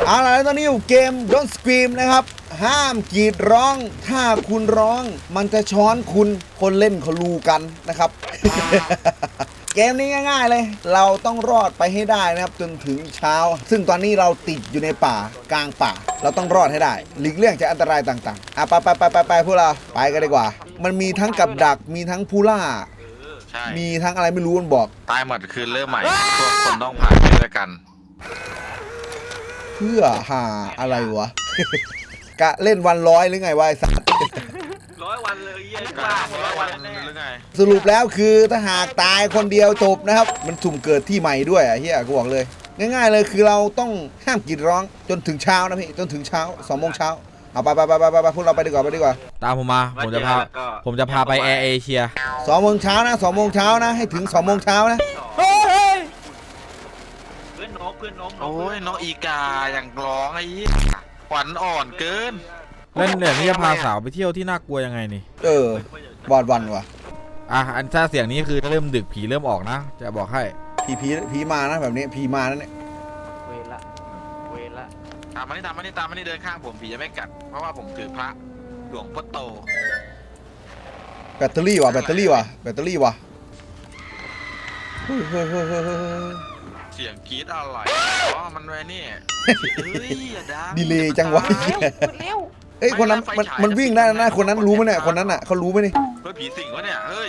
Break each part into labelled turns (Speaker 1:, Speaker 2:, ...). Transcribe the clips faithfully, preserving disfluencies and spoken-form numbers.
Speaker 1: เอาล่ะแล้วตอนนี้อยู่เกม Don't Scream นะครับห้ามกรีดร้องถ้าคุณร้องมันจะช้อนคุณคนเล่นเขารู้กันนะครับ เกมนี้ง่ายๆเลยเราต้องรอดไปให้ได้นะครับจนถึงเช้าซึ่งตอนนี้เราติดอยู่ในป่ากลางป่าเราต้องรอดให้ได้หลีกเลี่ยงจากอันตรายต่างๆอ่ะไปไปไปไปไปพวกเราไปกันดีกว่ามันมีทั้งกับดักมีทั้งผู้ล่ามีทั้งอะไรไม่รู้มันบอก
Speaker 2: ตายหมดคือเริ่มใหม่พวกคนต้องผ่านไปด้วยกัน
Speaker 1: เพื่อหาอะไรวะ กะเล่นวันร้อยหรือไงวะไอ้สัส
Speaker 3: ร้อยวันเลยเยี่ยมากร้อยวันแน่หรือไง
Speaker 1: สรุปแล้วคือถ้าหากตายคนเดียวจบนะครับมันสุ่มเกิดที่ใหม่ด้วยอ่ะเฮียกูบอกเลยง่ายๆเลยคือเราต้องห้ามกรีดร้องจนถึงเช้านะพี่จนถึงเช้าสองโมงเช้าเอาไปไปไปไปไปพวกเราไปดีกว่าไปดีกว่า
Speaker 4: ตามผมมาผมจะพาผมจะพาไปแอร์เอเชีย
Speaker 1: สองโมงเช้านะสองโมงเช้านะให้ถึงสองโมงเช้านะ
Speaker 3: เฮ้ยเพื่อนนกเพื่อนนก
Speaker 2: โอ้ยน้องอีกาอย่างร้องไอ้ขวัญอ่อนเกิน
Speaker 4: เล่นเนี่ยนี่จะพาสาวไปเที่ยวที่น่ากลัวยังไงนี่
Speaker 1: เออวอดวันว่ะ
Speaker 4: อ่ะอันถ้าเสียงนี้คือเริ่มดึกผีเริ่มออกนะจะบอกให้
Speaker 1: ผีผีผีมานะแบบนี้ผีมานั่นเนี่ย
Speaker 3: เวละเวละ
Speaker 2: ตามมานี่ตามมานี่ตามมานี่เดินข้างผมผีจะไม่กัดเพราะว่าผมถือพระหลวงพ่อโต
Speaker 1: แบตเตอรี่ว่ะแบตเตอรี่ว่ะแบตเตอรี่ว่ะเฮ้ยเฮ้ยเฮ้ยเฮ้ย
Speaker 2: เสียงกรี๊ดอะไรอ๋อมันไว้นี่
Speaker 1: ดีเลยจังวะเอ้ยคนนั้นมันมันวิ่งได้นะคนนั้นรู้ไหมเนี่ยคนนั้นอ่ะเขารู้ไหมนี่
Speaker 2: เฮ้ยผีสิงวะเนี่ยเฮ้ย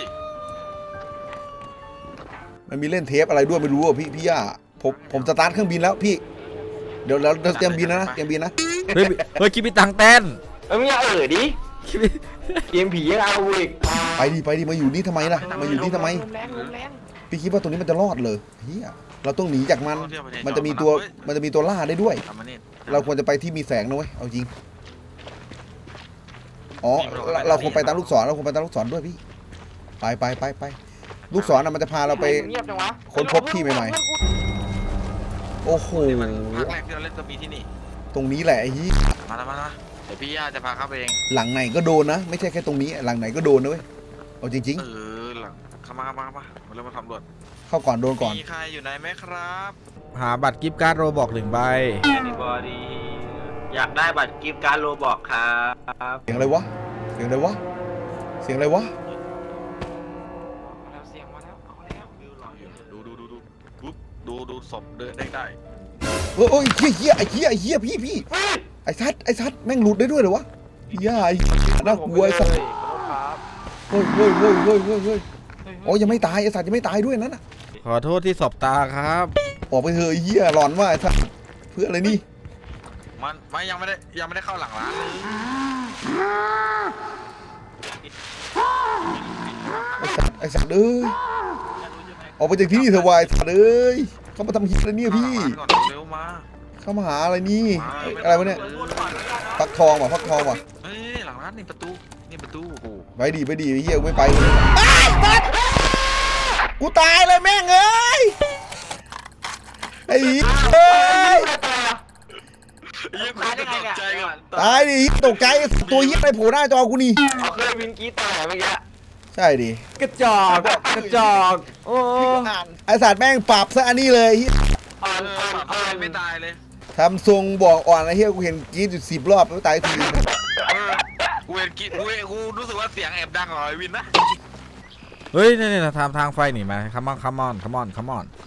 Speaker 1: มันมีเล่นเทปอะไรด้วยไม่รู้อ่ะพี่พี่ย่าผมผมสตาร์ทเครื่องบินแล้วพี่เดี๋ยวเราเตรียมบินนะเตรียมบินนะ
Speaker 4: เฮ้ยเฮ้ยคิดพี่ตังเต้น
Speaker 3: เอ้ยมึงอย่าเอ่ยดิเกมผียังเอาอีก
Speaker 1: ไปดิไปดิมาอยู่นี่ทำไมล่ะมาอยู่นี่ทำไมพี่คิดว่าตรงนี้มันจะรอดเลยเฮียเราต้องหนีจากมันมันจะมีตัวมันจะมีตัวล่าได้ด้วยเราควรจะไปที่มีแสงนะเว้ยเอาจริงอ๋อเราควรไปตามลูกศรเราควรไปตามลูกศรด้วยพี่ไปไปไปไปลูกศรน่ะมันจะพาเราไปค้นพบที่ใหม่ๆโอ้โห
Speaker 2: ภาคแรกที่เราเล่นก็มีที่นี่
Speaker 1: ตรงนี้แหละไอ้ยี่
Speaker 2: มาแล้วมาแล้วเดี๋ยวพี่ย่าจะพาเข้าไปเอง
Speaker 1: หลังไหนก็โดนนะไม่ใช่แค่ตรงนี้หลังไหนก็โดนนะเว้ยเอาจริงๆ
Speaker 2: เออหลังเข้ามาเข้ามาเข้ามามาเริ่มมาทำรวจ
Speaker 1: เข้าก่อนโดนก่อน
Speaker 2: มีใครอยู่ไหนไหมครับ
Speaker 4: หาบัตรกิฟต์การ์ดโรบอกหนึ่งใบ
Speaker 3: อยากได้บัตรกิฟต์การ์ดโรบอกครับ
Speaker 1: เสียงอะไรวะเสียงอะไรวะเสียงอะไรวะ
Speaker 3: เสียงมาแล้วเอาแล้ว
Speaker 2: ดูดูดูดูปุ๊บดูดูศพเดินได้ได้
Speaker 1: โอ้ยเฮี้ยเฮี้ยไอ้เฮี้ยไอ้เฮี้ยพี่พี่ไอ้ซัดไอ้ซัดแม่งหลุดได้ด้วยเหรอวะพี่ย่าไอ้น่ากลัวไอ้ซัดเฮ้ยเฮ้ยเฮ้ยเฮ้ยเฮ้ยเฮ้ยโอ้ยังไม่ตายไอ้ซัดยังไม่ตายด้วยนั่นน่ะ
Speaker 4: ขอโทษที่สบตาครับ
Speaker 1: ออกไปเถอะไอ้เฮี้ยหลอนว่าไอ้ซัดเพื่ออะไรนี่
Speaker 2: มันไม่ยังไม่ได้ยังไม่ได้เข้าหลังร้านเลย
Speaker 1: ไอ้สัตว์เอ้ยออกไปจากที่นี่เถอะวายสัตว์เอ้ยเขามาทำฮิตอะไรเนี่ยพี่เข้ามาหาอะไรนี่อะไรวะเนี่ยพักทองว่ะพักทองว่ะ
Speaker 2: เฮ้ยหลังร้านนี่ประตูนี่ประตูโอ้โห
Speaker 1: ไปดีไปดีเฮียไม่ไปกูตายเลยแม่งเอ้ยไอ้เอ้ยตายดิตกใจตัวเฮียไปโผล่หน้าจอกูนี่
Speaker 3: เอาเคยวินกีตาร์เมื่อกี้
Speaker 1: ใช่ดิ
Speaker 4: กระจอกกระจอกโอ้
Speaker 1: ไอสัตว์แม่งปรับซะอันนี้เลย
Speaker 2: อ่อนอ่อนไม่ตายเลย
Speaker 1: ทำทรงบอกอ่อนไอ้เฮียกูเห็นกีดอยู่สิบรอบแล้วตายที
Speaker 2: กูเห็นกีดกูกูรู้สึกว่าเสียงแอบดังของไอวินนะ
Speaker 4: เฮ้ยนี่นี่ทางทางไฟหนีมาคัมอนคัมอนคัมอนคัมอน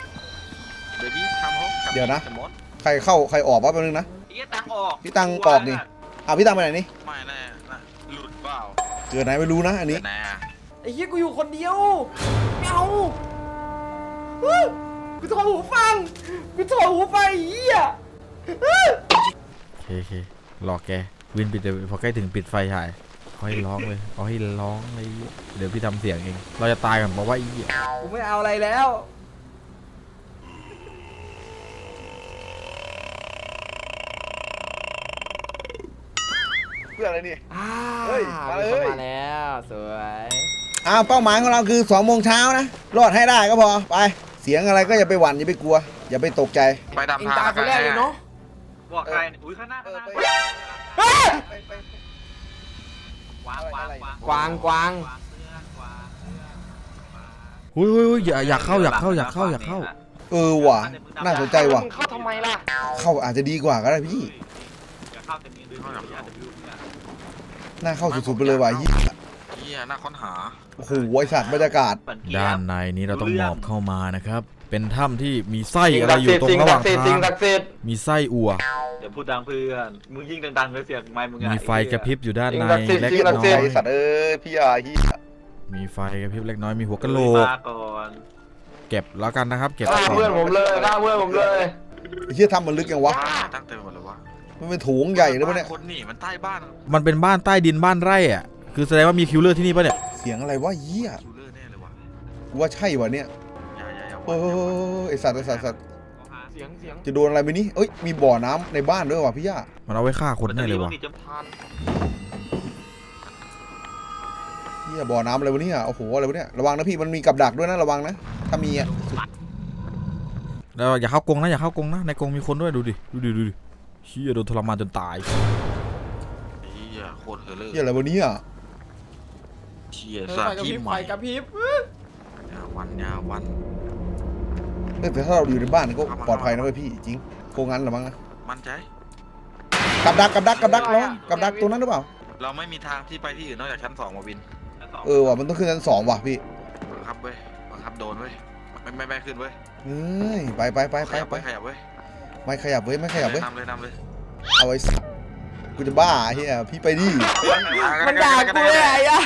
Speaker 1: เดี๋ยวนะใครเข้าใครออกวะแป๊บนึงนะ
Speaker 3: พี่ตังออก
Speaker 1: พี่ตังออกนี่อ่ะพี่ตังไปไหนนี่
Speaker 2: ไม่แน่หลุดเปล่า
Speaker 1: เกิดไหนไม่รู้นะอันนี้
Speaker 3: ไอ้เหี้ยกูอยู่คนเดียวไม่เอากูถอดหูฟังกูถอดหูฟังไอ้เหี้ย
Speaker 4: โอเคโอเครอแกวินปิดเดี๋ยวพอใกล้ถึงปิดไฟฉายเอาให้ร้องเลยเอาให้ร้องเลยเดี๋ยวพี่ทำเสียงเองเราจะตายกันเพราะว่าไอ้เหี้ย
Speaker 3: กูไม่เอาอะไรแล้ว
Speaker 1: เพื่ออะไรนี่
Speaker 3: เฮ้ยมาเลยมาแล้วสวย
Speaker 1: อ้าวเป้าหมายของเราคือสองโมงเช้านะรอดให้ได้ก็พอไปเสียงอะไรก็อย่าไปหวั่นอย่าไปกลัวอย่าไปตกใจ
Speaker 2: ไปดำทาง
Speaker 3: คนแรกเลยเนาะบอกใครอุ้ยข้างหน้าข้างหน้ากวางกวาง
Speaker 4: หุ้ยหุ้ยอย่าอยากเข้าอยากเข้าอยากเข้าอยากเข้า
Speaker 1: เออว่ะน่าสนใจว่ะ
Speaker 3: มึงเข้าทำไมล่ะ
Speaker 1: เข้าอาจจะดีกว่าก็ได้พี่
Speaker 5: อย่าเข้าเต็มนี้ด้วยอย่าเดือด
Speaker 1: น่าเข้าสุดๆไปเลยว่ะเหี้ย
Speaker 2: เฮียน่าค้นหา
Speaker 1: โอ้โหไอสัตว์บรรยากาศ
Speaker 4: ด้านในนี้เราต้องหมอบเข้ามานะครับ เป็นถ้ำที่มีไส้อะไรอยู่ตรงระหว่าง
Speaker 3: สิ่
Speaker 4: ทาง
Speaker 3: สิ่
Speaker 4: ง
Speaker 3: ศักดิ์สิทธิ์
Speaker 4: มีไส้อัว
Speaker 5: เดี๋ยวพูดดังเพื่อนมึงยิ่งดังๆเลยเสียงไม้มึง
Speaker 4: มีไฟกระพริบอยู่ด้านในเล็ก
Speaker 1: เหี้ย
Speaker 4: น้
Speaker 1: ตกใจ
Speaker 4: อย
Speaker 1: ไอสัตว์เอ้ยพี่อาเหี้ย
Speaker 4: มีไฟกระพริบเล็กน้อยมีหัวกะโหลก
Speaker 5: มาก่อน
Speaker 4: เก็บแล้วกันนะครับ เก็บ
Speaker 3: ฆ่า
Speaker 4: ก่อ
Speaker 3: เพื่อน
Speaker 4: น
Speaker 3: ผมเลยฆ่าเพื่อนผมเลย
Speaker 1: ไอ้เหี้ยทำมันลึกยังวะ
Speaker 2: ตั้งเต็มหมดเลยวะ
Speaker 1: มันเป็นโถุงใหญ่เลยปะเนี่ย
Speaker 2: คนนี่มันใต้บ้าน
Speaker 4: มันเป็นบ้านใต้ดินบ้านไร่อ่ะคือแสดงว่ามีคิวเลอร์ที่นี่ปะเนี่ย
Speaker 1: เสียงอะไรวะเหี้ย
Speaker 2: คิวเลอร์แน่เลยวะ
Speaker 1: กูว่าใช่วะเนี่ย
Speaker 2: อย่าอย่าอย่า
Speaker 1: โอ้ยไอสัตว์ไอสัตว์ไอ้สัตว์
Speaker 3: เสียงเสียง
Speaker 1: จะโดนอะไรไหมนี่เอ้ยมีบ่อน้ำในบ้านด้วยว่ะพี่ย่า
Speaker 4: มันเอาไว้ฆ่าคนแน่เลยว่ะ
Speaker 5: จะพัน
Speaker 1: เหี้ยบ่อน้ำอะไรวะเนี่ยโอ้โหอะไรวะเนี่ยระวังนะพี่มันมีกับดักด้วยนะระวังนะถ้ามีอ่ะ
Speaker 4: แล้วอย่าเข้ากรงนะอย่าเข้ากรงนะในกรงมีคนด้วยดูดิดูดิดูดิเชี่ยโดนทรมานจนตาย
Speaker 2: เฮียโคตรเฮอร์เลอร์
Speaker 1: เหี้ยอะไรวะเนี่ย
Speaker 2: เชียสัตว์ที่ใหม่
Speaker 3: กระพริบ
Speaker 2: ยาวันยาวัน
Speaker 1: เอ้ยแต่ถ้าเราอยู่ในบ้านก็ปลอดภัยนะเว้ยพี่จริงโคงงั้นหรือมั้งนะ
Speaker 2: มั่นใจ
Speaker 1: กับดักกับดักกับดักแล้วกับดักตัวนั้นหรือเปล่า
Speaker 2: เราไม่มีทางที่ไปที่อื่นนอกจากชั้นสองมาวิน
Speaker 1: เออว่ะมันต้องขึ้นชั้นสองว่ะพี่
Speaker 2: บังคับเว้ยบังคับโดนเว้ยไม่ไม่ไม่ขึ้นเว้ย
Speaker 1: เฮ้ยไปไปไป
Speaker 2: ข
Speaker 1: ไป
Speaker 2: ยับ
Speaker 1: ไป
Speaker 2: เว้ยขยับเว้ย
Speaker 1: ไม่ขยับเว้ยไม่ขยับเว้ย
Speaker 2: นำเลยนำเลย
Speaker 1: เอาไว้สัตว์กูจะบ้าเฮียพี่ไปดิ
Speaker 3: มันด่ากูเลยไอ้อะ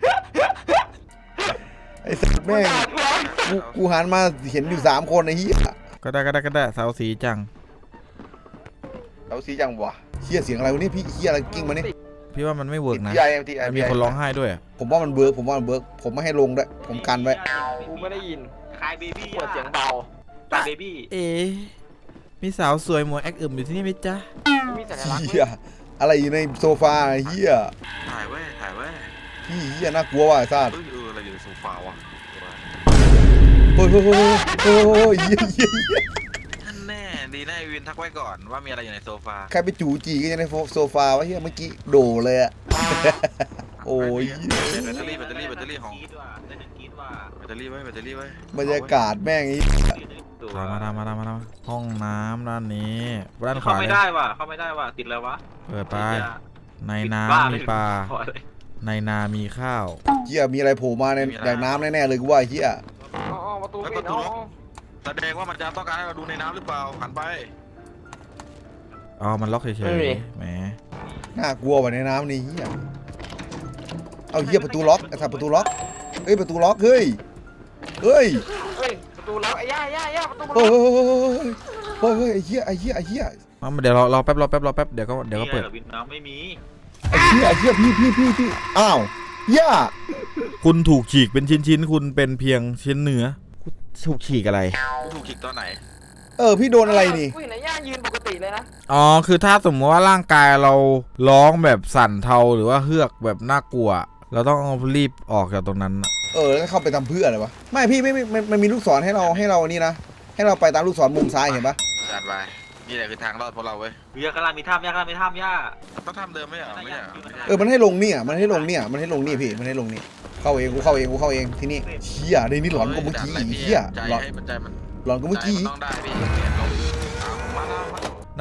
Speaker 1: ไอ้สัตว์แม่งกูกูหันมาเห็นอยู่สามคนไอ้เฮีย
Speaker 4: ก็ได้ก็ได้ก็ได้เสาสีจัง
Speaker 1: เราสีจังวะเฮียเสียงอะไรวะเนี่ยพี่เฮียอะไรกิ้งมาเนี่ย
Speaker 4: พี่ว่ามันไม่เวิร์กนะ
Speaker 1: ทีไอทีไอ
Speaker 4: มันมีคนร้องไห้ด้วยอะ
Speaker 1: ผมว่ามันเบิร์กผมว่ามันเบิร์กผมไม่ให้ลงด้วยผมกันไว้
Speaker 3: กูไม่ได้ยิน
Speaker 5: คลายเบบี้
Speaker 3: เปิดเสียงเบา
Speaker 5: คลายเบบี้
Speaker 4: เอ๋มีสาวสวยหมวยแอคอึมอยู่ที่นี่ไหมจ๊ะ
Speaker 3: ไม่มีสัญลักษณ์
Speaker 1: เฮียอะไรอยู่ในโซฟาเฮีย
Speaker 2: ถ่ายเว้ยถ่ายเว้ย
Speaker 1: พี่เฮียน่ากลัวว่ะไอ้สัตว์
Speaker 2: เอ้ยเอออะไรอยู่ในโซฟาวะ
Speaker 1: โอ้ยโอ้ยโอ้ยโอ้ยโอ้ยเฮียเฮียเฮีย
Speaker 2: ท่านแน่ดีนะไอวินทักไว้ก่อนว่ามีอะไรอยู่ในโซฟา
Speaker 1: ใครไปจู่จีกันในโซฟาวะเฮียเมื่อกี้โดเลยอะ โอ้ย
Speaker 2: แบตเตอรี่แบตเตอรี่แบตเตอรี่ของ
Speaker 5: กีดว่ะได้หนึ่งกีดว่ะ
Speaker 2: แบตเตอรี่ไว้แบตเตอรี่ไว้
Speaker 1: บรรยากาศแม่งไอ้
Speaker 4: ตามมาตามมาตามมาตามมาห้องน้ำด้านนี้ด้านข
Speaker 5: เข้าว
Speaker 4: า
Speaker 5: ไม่
Speaker 4: เลย
Speaker 5: ได้ว่ะเข้าไม่ได้ว่ะติดแล้ววะ
Speaker 4: เปิดไป
Speaker 5: ติดยา
Speaker 4: ใน
Speaker 5: ติด
Speaker 4: น้
Speaker 5: บ้
Speaker 4: ำมีปลา
Speaker 5: ขอเลย
Speaker 4: ในนามีข้าว
Speaker 1: เฮียมีอะไรโผล่มาในแดกน้ำแน่ๆเลยกูว่าไอ้เฮีย
Speaker 3: อ๋อประตูปิดอ๋อ
Speaker 2: แสดงว่ามันจะต้องการให้เราดูในน้ำหรือเปล่าหันไป
Speaker 4: อ๋อมันล็อกเฉยๆแหม
Speaker 1: น่ากลัวว่ะในน้ำนี่เฮียเอาเฮียประตูล็อกไอ้สัตว์ประตูล็อกเฮ้ยประตูล็อกเฮ้ยเฮ้ย
Speaker 3: เฮ้ยประตูล็อกไอ้ย่าย่าย่าประตู
Speaker 1: เฮ้
Speaker 3: ล็
Speaker 1: ย
Speaker 3: อก
Speaker 1: เฮ้ยเฮ้ยไอ้เฮียไอ้เฮียไอ้เฮีย
Speaker 4: เอาเดี๋ยวรอรอแป๊บรอแป๊บรอแป๊บเดี๋ยวก็เดี๋ยวก็เปิด
Speaker 5: นี่หรอวินน้ำไม่มี
Speaker 1: ไอ้เฮียไอ้เฮียพี่พี่พี่พี่อ้าวย่า
Speaker 4: คุณถูกฉีกเป็นชิ้นๆ คุณเป็นเพียงชิ้นเนื้อคุณถูกฉีกอะไร
Speaker 2: กูถูกคิกตอนไหน
Speaker 1: เออพี่โดนอะไรนี่
Speaker 3: กูเห็นไอ้ย่ายืนปกติเลยนะ
Speaker 4: อ๋อ คือถ้าสมมติว่าร่างกายเราร้องแบบสั่นเทาหรือว่าเฮือกแบบน่ากลัว เราต้องรีบออกจากตรงนั้นน่ะ
Speaker 1: เออแล้วเข้าไปทำเพื่ออะไรวะไม่พี่ไม่ไม่มันมันมีลูกศรให้เราให้เรานี่นะให้เราไปตามลูกศรมุมซ้ายเห็นปะ
Speaker 2: จัดไปนี่แหละคือทางรอดพวกเราเว้ย
Speaker 5: ย่ากำลังมีถ้ำย่ากำลังมีถ้ำย่า
Speaker 2: ต้องทำเดิมไม่ใช่เหรอไม่ใช่เหรอไม่ใช่
Speaker 1: เออมันให้ลงเนี่ยมันให้ลงเนี่ยมันให้ลงนี่พี่มันให้ลงนี่เข้าเองกูเข้าเองกูเข้าเองที่นี่เฮียในนี้หลอนกว่าเมื่อกี้อีกเฮีย
Speaker 2: ใจ
Speaker 1: หลอน
Speaker 2: ให้มันใจมัน
Speaker 1: หลอนกว่าเมื่อกี้
Speaker 2: ใจนต้องได้พี่เปลี่ยนลงเอามาแล้วมา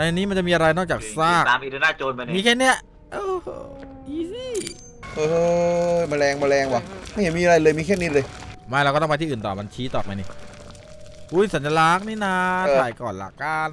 Speaker 4: ในนี้มันจะมีอะไรนอกจากซาก
Speaker 5: ตามอีเดน่าโจนไป
Speaker 4: มี
Speaker 5: เนี่ย
Speaker 4: แค่เนี้ยโอ้โหอีซี่
Speaker 1: เออแมลงแมลงว่ะไม่เห็นมีอะไรเลยมีแค่นี้เลย
Speaker 4: ไม่เราก็ต้องไปที่อื่นต่อมันชี้ต่อไปนี่อุ้ยสัญลักษณ์นี่นา
Speaker 1: เออ
Speaker 4: ถ่ายก่อนละกัน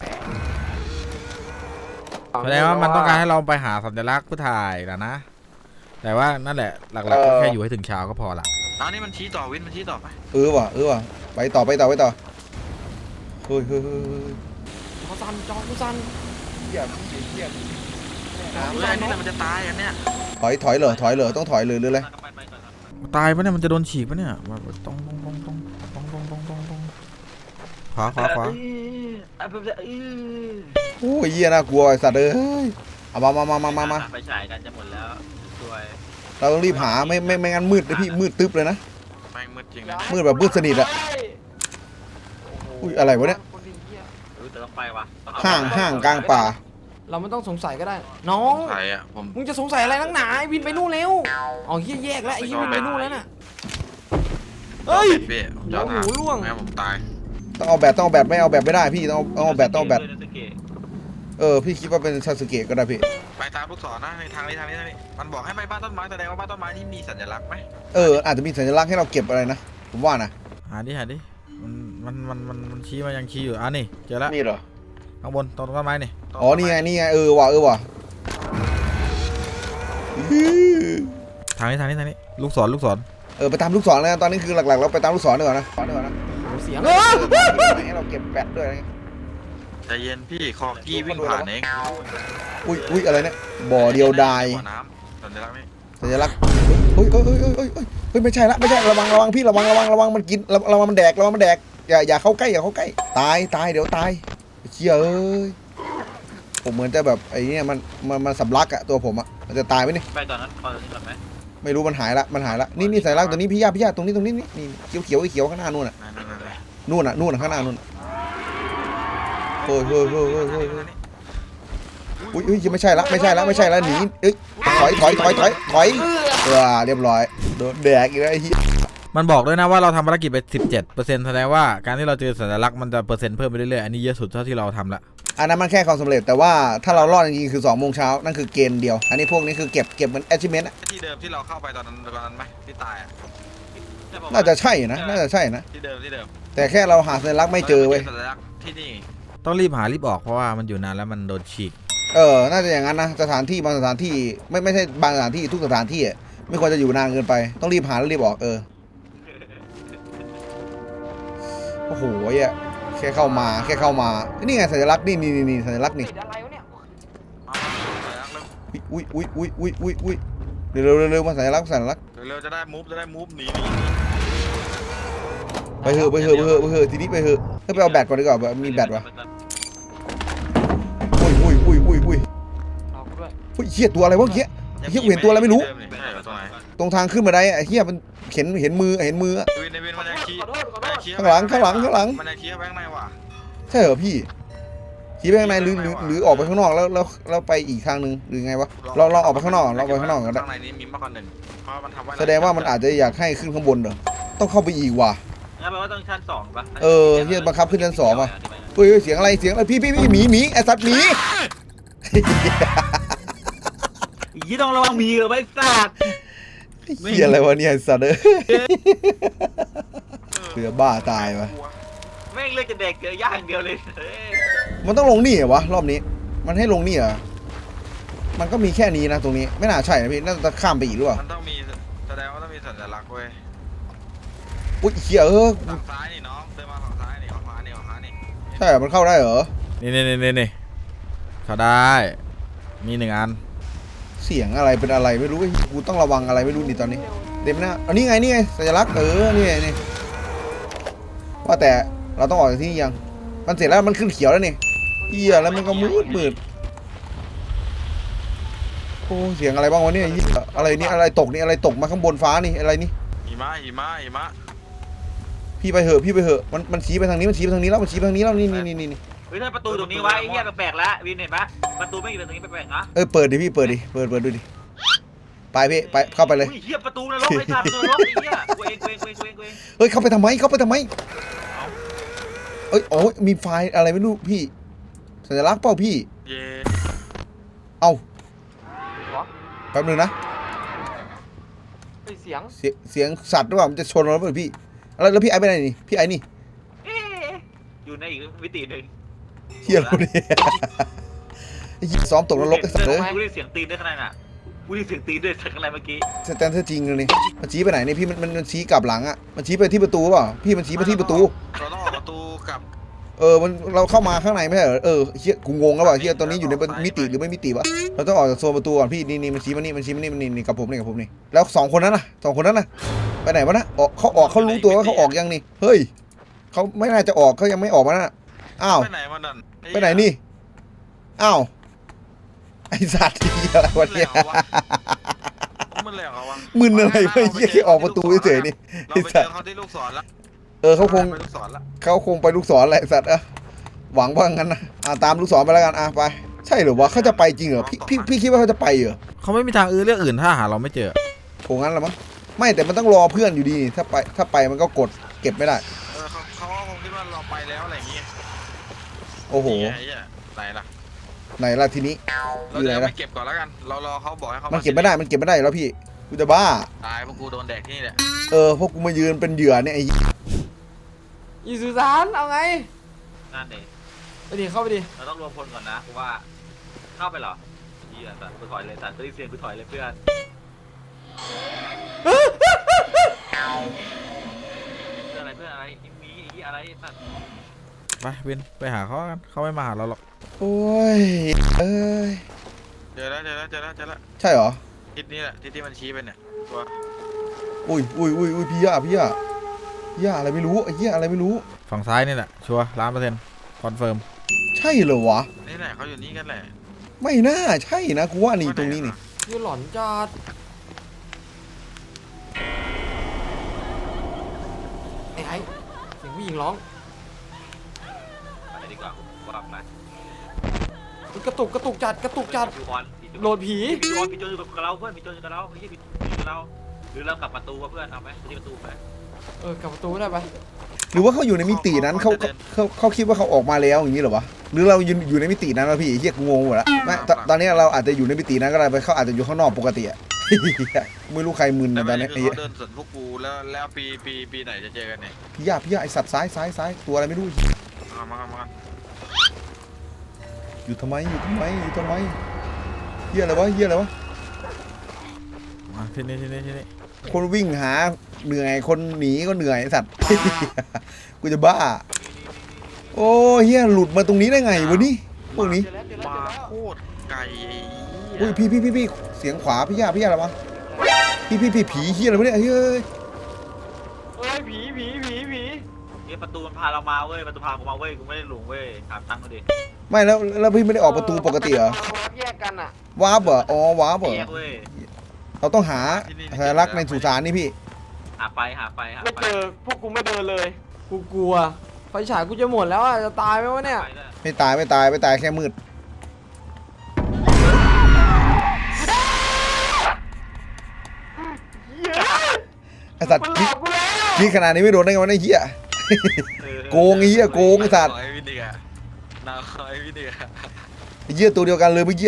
Speaker 4: แสดงว่ามันต้องการให้เราไปหาสัญลักษณ์เพื่อถ่ายนะนะ แต่ว่านั่นแหละหลักๆก็แค่อยู่ให้ถึงเช้าก็พอละ
Speaker 2: เอานี่มันชี้ต่อวินมันชี้ต่อไป
Speaker 1: เออว่ะเออว่ะไปต่อไปต่อไปต่อเฮ้ยเฮ้ยเฮ้ยเฮ้ย
Speaker 3: จอซันจอกูซัน
Speaker 1: เฮียพี่เฮีย
Speaker 2: เฮ้ยอันนี่แหละมันจะตายอันเนี้ย
Speaker 1: ถอยถอยเหรอถอยเหรอต้องถอยเลยหรืออะไร
Speaker 5: ไปไปก่อนครับ
Speaker 4: ตายปะเนี่ยมันจะโดนฉีกปะเนี่ยมาต้องต้องต้องต้องต้องต้องต้องต้องต้องขวาขวาขวา
Speaker 5: เออเออเออ
Speaker 1: โอ้ยเฮียน่ากลัวไอ้สัตว์เอ้ยเอามามามามามามา
Speaker 5: ไปฉายกันจะหมดแล้วสวย
Speaker 1: เราต้องรีบหาไม่ไม่ไม่งั้นมืดเลยพี่มืดตึ๊บเลยนะ
Speaker 2: แม่งมืดจริงนะ
Speaker 1: มืดแบบมืดสนิทอะ อุ้ยอะไรวะเนี่ย
Speaker 3: คนดีเหี้ย
Speaker 5: เออแต่ต้องไปว่ะ
Speaker 1: ห้างห้างกลางป่า
Speaker 3: เราไม่ต้องสงสัยก็ได้ น้อง
Speaker 2: ใครอ่ะผม
Speaker 3: มึงจะสงสัยอะไรนักหนาไอ้วินไปนู่นเร็วอ๋อเฮียแยกแล้วไอ้เฮียวินไปนู่นแล้วน่ะ เฮ้ย
Speaker 2: พี่ผมจะเอา
Speaker 3: โอ้โหล่วง
Speaker 2: แม่ผมตาย
Speaker 1: ต้องเอาแบตต้องเอาแบตไม่เอาแบตไม่ได้พี่ต้องเอาเอาแบตต้องเอาแบต
Speaker 5: ซาสึเกะ
Speaker 1: เออพี่คิดว่าเป็นซาสึเกะก็ได้พี่
Speaker 2: ไปตามลูกศรนะในทางนี้ทางนี้ทางนี้มันบอกให้ไปบ้านต้นไม้แสดงว่าบ้านต้นไม้นี่มีสัญลักษณ์ไหม
Speaker 1: เอออาจจะมีสัญลักษณ์ให้เราเก็บอะไรนะผมว่านะ
Speaker 4: หาดิหาดิมันมันมันมันมันชี้มายังชี้อยู่อ่ะนี่เจอแล้ว
Speaker 1: นี่เหรอ
Speaker 4: ข้างบนตรงต้นไม้นี่
Speaker 1: อ๋อนี่ไงนี่ไงเออว่ะเออว่ะ
Speaker 4: ทางนี้ทางนี้ทางนี้ลูกศรลูกศร
Speaker 1: เออไปตามลูกศรเลยนะตอนนี้คือหลักๆเราไปตามลูกศรดีกว่านะดีกว่านะ
Speaker 4: เสียง
Speaker 1: เออให้เราเก็บแบตด้วยนะ
Speaker 2: ใจเย็นพี่คอกี้วิ่งผ่านเอง
Speaker 1: อุ้ยอุ้ยอะไรเนี่ยบ่อเดียวดาย
Speaker 2: บ่อน้ำสัญลักษณ์นี่
Speaker 1: สัญลักษณ์เฮ้ยเฮ้ยเฮ้ยเฮ้ยเฮ้ยเฮ้ยเฮ้ยไม่ใช่ละไม่ใช่ระวังระวังพี่ระวังระวังระวังมันกินระระวังมันแดกระวังมันแดกอย่าอย่าเข้าใกล้อย่าเข้าใกล้ตายตายเดี๋ยวตายเชี่ยเอ้ยผมเหมือนจะแบบไอ้เนี่ยมันมันมันสำลักอะตัวผมอะมันจะตายไหมนี่
Speaker 5: ไปตอนนั้นเอาตอนนี้ก่อนไหม
Speaker 1: ไม่รู้มันหายละมันหายละนี่นี่สัญลักษณ์ตัวนี้พี่ย่าพี่ย่าตรงนี้ตรงนี้นี่นี่เขียวเขียวไอ้เขียวข้างหน้านู่นอะ
Speaker 2: นั่นนั่นนั่น
Speaker 1: นู่นอะนู่นอะข้างหน้านู่นโอ้ยโอ้ยโอ้ยโอ้ยโอ้ยอุ้ยอุ้ยไม่ใช่ละไม่ใช่ละไม่ใช่ละหนีเอ้ยถอยถอยถอยถอยถอยเออเรียบร้อยโดนแดกอีกแล้วไอ้เหี้ย
Speaker 4: มันบอกด้วยนะว่าเราทำภารกิจไป สิบเจ็ดเปอร์เซ็นต์ แสดงว่าการที่เราเจอสัญลักษณ์มันจะเปอร์เซ็นต์เพิ่มไปเรื่อยๆอันนี้เยอะสุดเท่าที่เราทำละ
Speaker 1: อันนั้นมันแค่ความสำเร็จแต่ว่าถ้าเรารอดจริงๆคือสองโมงเช้านั่นคือเกณฑ์เดียวอันนี้พวกนี้คือเก็บเก็บเหมือน achievement อะ
Speaker 2: ที่เดิมที่เราเข้าไปตอนนั้นตอนนั้นไหมที่ตายอ่ะ
Speaker 1: น่าจะใช่นะน่าจะใช่นะ
Speaker 2: ที่เดิมที่เดิม
Speaker 1: แต่แค่เราหาสัญลักษณ์ไม่เจอเว้ย
Speaker 2: สัญลักษณ์ที่นี่
Speaker 4: ต้องรีบหารีบออกเพราะว่ามันอยู่นานแล้วมันโดนฉีก
Speaker 1: เออน่าจะอย่างนั้นนะสถานที่บางสถานที่ไม่ไม่ใช่บางสถานที่ทุกสถานที่อะไม่ควรจะอยู่นานเกินไปต้องรีบหาแล้วรีบออกเออโอ้โหไอ่ะแค่เข้ามาแค่เข้ามานี่ไงสัญลักษณ์นี่นี่นี่สัญลักษณ์นี่
Speaker 2: เอาสัญลักษณ์เริ่ม
Speaker 1: อุ้ยอุ้ยอุ้ยอุ้ยอุ้ยอุ้ยเร็วเร็วเร็วเร็วมาสัญลักษณ์สัญลักษณ์
Speaker 2: เร็วๆจะได้มูฟจะได้มูฟหนีหนี
Speaker 1: ไปเถอะไปเถอะไปเถอะไปเถอะทีนี้ไปเถอะให้ไปเอาแบตก่อนดีกว่าแบบมีแบตวะอุ้ยอุ้ยอุ้ยอุ้ยอุ้ยอุ้ยเหี้ยตัวอะไรวะเหี้ยเหี้ยเห็นตัวอะไรไม่รู้
Speaker 2: ใช่เหรอตัวไหน
Speaker 1: ตรงทางขึ้นมาได้ไอ้เหี้ยมันเห็นเห็นมือเห็นมืออะ
Speaker 2: วินในวินมันยังขี้มันยังขี้
Speaker 1: ข้างหลังข้างหลังข้างหลัง
Speaker 2: มันยังขี้แบงค์ในว่ะ
Speaker 1: ใช่เหรอพี่ขี่ไปข้างในหรือหรือหรือออกไปข้างนอกแล้วแล้วแล้วไปอีกทางหนึ่งหรือไงวะเราเราออกไปข้างนอกเราไปข้างนอกกันได้
Speaker 2: ข้างในนี้มีมากกว่าหนึ่งเพราะมันทำไว้
Speaker 1: แสดงว่ามันอาจจะอยากให้ขึ้นข้างบนเหรอต้องเข้าไปอีกว่ะ
Speaker 5: งั้นแปลว่าต้องชั้นสองปะ
Speaker 1: เออเหี้ยบังคับขึ้นชั้นสองว่ะ เฮ้ยเฮ้ยเสียงอะไรเสียงอะไรพี่พี่พี่หมีหมีไอ้สัตว์หมี
Speaker 5: ยี่ต้องระวังมีเหรอไอ้สัตว์
Speaker 1: เหี้ยอะไรวะเนี่ยไอ้สัตว์เอ้ยเสือบ้าตายวะ
Speaker 5: แม่งเลือกจะเด็กเกลือย่างเดียวเลยเฮ้ย
Speaker 1: มันต้องลงนี่เหรอวะรอบนี้ มันให้ลงนี่เหรอมันก็มีแค่นี้นะตรงนี้ไม่น่าใช่นะพี่น่าจะข้ามไปอีกหรือเปล่า
Speaker 2: มันต้องมีแสดงว่าต้องมีสัญลักษณ์เว้ย
Speaker 1: อุ้ยเหี้ยเออ
Speaker 2: ฝั่งซ้ายนี่น้องเดินมาฝั่งซ้ายนี่ออกมานี่ออกมานี่
Speaker 1: ใช่เหรอมันเข้าได้เหรอ
Speaker 4: นี่นี่นี่นี่นี่เขาได้มีหนึ่งอัน
Speaker 1: เสียงอะไรเป็นอะไรไม่รู้ไอ้กูต้องระวังอะไรไม่รู้นี่ตอนนี้เต็มหน้าอันนี้ไงนี่ไงสัญลักษณ์เออนี่ไงนี่ว่าแต่เราต้องออกจากที่นี่ยังมันเสร็จแล้วมันขึ้นเขียวแล้วนี่เหี้ยแล้วมันก็มืดมืดโอ้เสียงอะไรบ้างวะเนี่ยเหี้ยอะไรนี่อะไรตกนี่อะไรตกมาข้างบนฟ้านี่อะไรนี่
Speaker 2: หิมะหิมะหิมะ
Speaker 1: พี่ไปเหอะพี่ไปเหอะมันมันชี้ไปทางนี้มันชี้ไปทางนี้แล้วมันชี้ไปทางนี้แล้วนี่นี่นี่นี่
Speaker 5: เฮ้ยถ้าประตูตรงนี้ไว้ไอ้เหี้ยแปลกๆแล้ววินเห็นปะประตูไม่อยู่ตรงนี้แปลกๆนะ
Speaker 1: เออเปิดดิพี่เปิดดิเปิดเปิดดูดิไปพี่ไปเข้าไปเลย
Speaker 5: อุ้ยเหี้ยประตูนรกไอ้สัตว์ประตูนรกไอ้เหี้ยกูเองกูเองกูเองกูเองกูเอง
Speaker 1: เฮ้ยเข้าไปทำไมเข้าไปทำไมเอ้ยโอ้ยมีไฟล์อะไรไม่รู้พี่สัญลักษณ์เปล่าพี่
Speaker 2: เย่
Speaker 1: เอ้าแป๊บนึงนะ
Speaker 5: เสียง
Speaker 1: เสียงเสียงสัตว์หรือเปล่ามันจะชนเราหรือเปล่าพี่แล้วแล้วพี่ไอ้ไปไหนนี่พี่ไอ้นี่
Speaker 5: เอ๊ะอยู่ในอีกมิติหนึ่ง
Speaker 1: เฮียเราเนี่ยไอ้เหี้ยซ้อมตกนรกไอ้สัตว์เลย
Speaker 5: กูได้เสียงตีนด้วยข้างในน่ะกูได้เสียงตีนด้วยข้างในเมื่อกี้
Speaker 1: สแตนเซอร์จริงเลยนี่มันชี้ไปไหนนี่พี่มันมันมันชี้กลับหลังอ่ะมันชี้ไปที่ประตูเปล่าพี่มันชี้ไปที่ประตู
Speaker 2: เราต้องออกประตูกลับ
Speaker 1: เออมันเราเข้ามาข้างในไม่ใช่เหรอเออเฮียกูงงแล้วว่ะเฮียตอนนี้อยู่ในมิติหรือไม่มิติวะเราต้องออกจากโซนประตูก่อนพี่นี่นี่มันชี้มานี่มันชี้มานี่มันนี่นี่กับผมนี่กับผมนี่แล้วสองคนนั้นน่ะสองคนนั้นน่ะไปไหนวะนะออกเขาออกเขารู้ตัวว่าเขาออกยังนี่เฮ้ยเขาไม่น่าจะออกเขายังไม่ออกมาน่ะอ้าว
Speaker 2: ไปไหนมันนั่น
Speaker 1: ไปไหนนี่อ้าวไอสัตว์ที่อะไรวะเนี่ย
Speaker 2: มันแหลกเหรอวะ
Speaker 1: มึนอะไรวะเฮียแค่ออกประตูเฉยๆนี่
Speaker 2: เรา
Speaker 1: ไอ
Speaker 2: ไปเจ
Speaker 1: สัต
Speaker 2: อ
Speaker 1: ว์
Speaker 2: เขาที่ลูกศรแล้ว
Speaker 1: เออเขาคง
Speaker 2: ไปลูกศรแล้ว
Speaker 1: เขาคงไปลูกศรแหละไอ้สัตว์อะหวังว่างั้นนะอ่ะตามลูกศรไปแล้วกันอ่ะไปใช่เหรือวะเขาจะไปจริงเหรอพี่พี่พี่คิดว่าเขาจะไปเหรอ
Speaker 4: เขาไม่มีทางอื่นเรื่องอื่นถ้าหาเราไม่เจอ
Speaker 1: โหงั้นละมั้งไม่แต่มันต้องรอเพื่อนอยู่ดีนี่ถ้าไปถ้าไปมันก็กดเก็บไม่ได้
Speaker 2: เออเขาเขาคงคิดว่าเราไปแล้ว
Speaker 1: โอ้โห
Speaker 2: นี่ไงไอ้เหี้ยไหนล่ะ
Speaker 1: ไหนล่ะทีนี้
Speaker 2: เรา
Speaker 1: อยู่ไหน
Speaker 2: จะ
Speaker 1: ล่ะ
Speaker 2: ไม่เก็บก่อนแล้วกันเรารอเขาบอกให้เขา
Speaker 1: มั
Speaker 2: มัน
Speaker 1: เก็บไม่ได้มันเก็บไม่ได้แล้วพี่กูจะบ้า
Speaker 2: ตายเพราะกูโดนแดกที่นี่แหละ
Speaker 1: เออพวกกูมายืนเป็นเหยื่อเนี่ยไอ้
Speaker 6: อีสุสานเอาไง
Speaker 5: นั่นเอง
Speaker 6: ไปดิเข้าไปดิ
Speaker 5: เราต้องรวมพลก่อนนะเพราะว่าเข้าไปเหรอเฮียสัตว์กูถอยเลยสัตว์ได้ยินเสียงกูถอยเลยเพื่อนเพื่อนอะไรเพื่อนอะไรอีมีอีอะไรสัตว์
Speaker 4: ไปวินไปหาเขากันเขาไม่มาหาเราหรอก
Speaker 1: โอ้ยเอ้ย
Speaker 2: เจอแล้วเจอแล้วเจอแล้วเจอแล้ว
Speaker 1: ใช่เหรอ
Speaker 2: ทิศนี้แหละทิศที่มันชี้ไปเนี่ยตัว
Speaker 1: อุ้ยอุ้ยอุ้ยอุ้ยพี่ย่าพี่ย่าพี่ย่าอะไรไม่รู้ไอ้เหี้ยอะไรไม่รู้
Speaker 4: ฝั่งซ้ายนี่แหละชัวร์ล้านเปอร์เซ็นต์คอนเฟิร์ม
Speaker 1: ใช่เหรอวะ
Speaker 2: นี่แหละเขาอยู่นี่กันแหละ
Speaker 1: ไม่น่าใช่นะกูว่านี่ตรงนี้นี่
Speaker 6: ยูหลอนจัดไอ้ไอ้เสียงผู้หญิงร้อง
Speaker 5: อะไรดีกว่าว่าแบบนะ
Speaker 6: กระตุกกระตุกจัดกระตุกจัด
Speaker 5: พี่บอล
Speaker 6: โหลดผี
Speaker 5: พี่บอลพี่โจอยู่กับเราเพื่อนพี่โจอยู่กับเราพี่พี่อยู่กับเราหรือเรากลับประตูวะเพื่อนเอาไหมที่ประตูไป
Speaker 6: เออกลับประตูได้ปะ
Speaker 1: หรือว่าเขาอยู่ในมิตินั้นเขาเขาเขาคิดว่าเขาออกมาแล้วอย่างนี้เหรอวะหรือเราอยู่อยู่ในมิตินั้นวะพี่เฮียกูงงหมดละไม่ตตอนนี้เราอาจจะอยู่ในมิตินั้นก็ได้ไปเขาอาจจะอยู่ข้างนอกปกติอะ ไม่รู้ใครมึน
Speaker 2: แต่
Speaker 1: นะ
Speaker 2: ป
Speaker 1: ต
Speaker 2: ระ
Speaker 1: อน
Speaker 2: เด็
Speaker 1: นี้
Speaker 2: น
Speaker 1: ไอ้
Speaker 2: คือ
Speaker 1: เหี้ย
Speaker 2: เขาเดินสวนพวกกูแล้วแล้วปีปีปีไหนจะเจอกันเนี่ย
Speaker 1: พี่ย่าพี่ย่าไอสัตว์ซ้ายซ้ายซ้ายตัวอะไรไม่รู้
Speaker 2: มามามา
Speaker 1: อยู่ทำไมอยู่ทำไมอยู่ทำไมเฮียอะไรวะเฮียอะไรวะ
Speaker 4: มาที่นี่ที่นี่ที่นี่
Speaker 1: คนวิ่งหาเหนื่อยคนหนีก็เหนื่อยไอ้สัตว์ กูจะบ้าโอ้เฮียหลุดมาตรงนี้ได้ไงวะนี่พวกนี้
Speaker 6: เจอแล้วเจอแล้ว
Speaker 2: มา
Speaker 6: เจอแล้ว
Speaker 2: โคตรไกลไอ้
Speaker 1: อุ้ย
Speaker 2: เหี้ย
Speaker 1: พี่พี่พี่พี่เสียงขวาพี่ย่าพี่ย่าอะไรวะพี่พี่พี่ผีเฮียอะไรวะเนี่ยเฮ้ย
Speaker 6: เฮ้ยผีผีผีผี
Speaker 5: เนี่ยประตูมันพาเรามาเว้ยประตูพากูมาเว้ยกูไม่ได้หลงเว้ยถามตั้งกูดิ
Speaker 1: ไม่แล้วแล้วพี่ไม่ได้ออกประตูปกติเหรอ
Speaker 6: แยกกันอ่ะ
Speaker 1: วาร์ปเหรออ๋อวาร์ปเหรอ
Speaker 5: แยกเว้ย
Speaker 1: เราต้องหาสัญลักษณ์ในสุสานนี่พี่
Speaker 5: หาไปหาไปหา
Speaker 6: ไม่
Speaker 5: ไป
Speaker 6: เจอพวกกูไม่เดินเลยกูกลัวไฟฉายกูจะหมดแล้วอ่ะจะตายไหมวะเนี่ย
Speaker 5: ไปเลย
Speaker 1: ไม่ตายไม่ตายไม่ตายแค่มืดไอสัตว์
Speaker 6: มันหล
Speaker 1: คิด
Speaker 6: อกกูแล้ว
Speaker 1: คิดขนาดนี้ไม่โดนได้ไงวะไอ้เหี้ย
Speaker 5: เออ
Speaker 1: โกงไอ้เหี้ยโกงไอ้สัตว์
Speaker 2: นาคอยวินเดียนาคอยวินเดีย
Speaker 1: ไอ้เหี้ยตัวเดียวกันเลยเมื่อกี้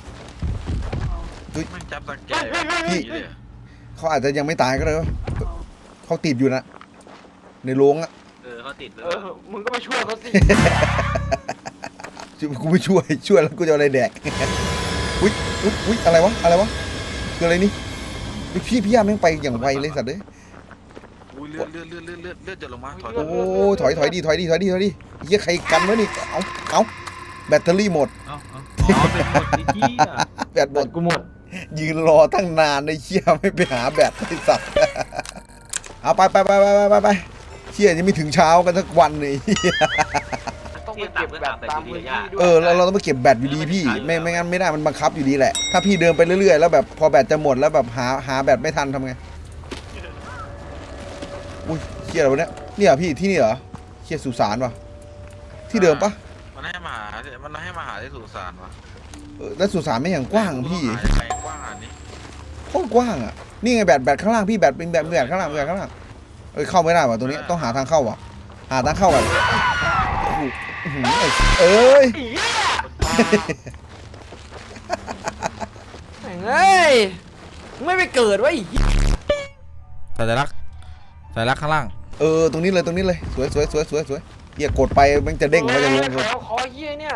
Speaker 2: มันจับสังแกพี่เลย
Speaker 1: เขาอาจจะยังไม่ตายก็ได้วะเขาติดอยู่นะในโรงอะ
Speaker 5: เออเขาติดเลย
Speaker 6: เออมึงก็มาช่วยเขาสิ
Speaker 1: กูไม่ช่วยช่วยแล้วกูจะเอาอะไรแดก อุ้ยอุ๊ยอุ้ยอะไรวะอะไรวะคืออะไรนี่อุ๊ยพี่พี่ย่าแม่งไปอย่างไวเลยสัตว์เลย
Speaker 2: อุ้ยเลือดเลือดเลือดเลือดเลือดเลือดจะลงมาถอย
Speaker 1: โอ้ถอยถอยดีถอยดีถอยดีถอยดีเฮียใครกันวะนี่เอาเอาแบตเตอรี่หมด
Speaker 5: เอาเอาอ๋อเป็นคนที่ที่อ่ะ
Speaker 1: แบตหมด
Speaker 6: กูหมด
Speaker 1: ยืนรอตั้งนานในเชี่ยไม่ไปหาแบตไอ้สัตว์ เอาไปไปไปไปไปไปเชี่ยยังไม่ถึงเช้ากันสักวันเลย
Speaker 6: ต้องไปเก็บแบบตามพื้นที่ด้วย
Speaker 1: เออเราเราต้องไปเก็บแบตอยู่ดีพี่ไม่ไม่งั้นไม่ได้มันบังคับอยู่ดีแหละถ้าพี่เดินไปเรื่อยๆแล้วแบบพอแบตจะหมดแล้วแบบหาหาแบตไม่ทันทำไงอุ้ยเชี่ยอะไรวะเนี่ยเนี่ยพี่ที่นี่เหรอเชี่ยสุสานวะที่เดิมปะ
Speaker 2: มันให้มาหามันให้มาหาที่สุสานวะ
Speaker 1: เออแล้วสุสานไม่อย่างกว้างพี่
Speaker 2: ไปกว้างอันนี้
Speaker 1: โคตรกว้างอ่ะนี่ไงแบตแบตข้างล่างพี่แบตเป็นแบตแบตข้างล่างแบตข้างล่างเอ้ยเข้าไม่ได้ว่ะตัวนี้ต้องหาทางเข้าว่ะหาทางเข้ากันอื้อหือไอ้เอ้ย
Speaker 6: แม่งเอ้ยมึงไม่ไปเกิดวะอีก
Speaker 4: สัญลักษณ์สัญลักษณ์ข้างล่าง
Speaker 1: เออตรงนี้เลยตรงนี้เลยสวยสวยสวยสวยสวยเฮียกดไปมันจะเด้งแล้วจะลง
Speaker 6: แถวคอเฮียเนี่ย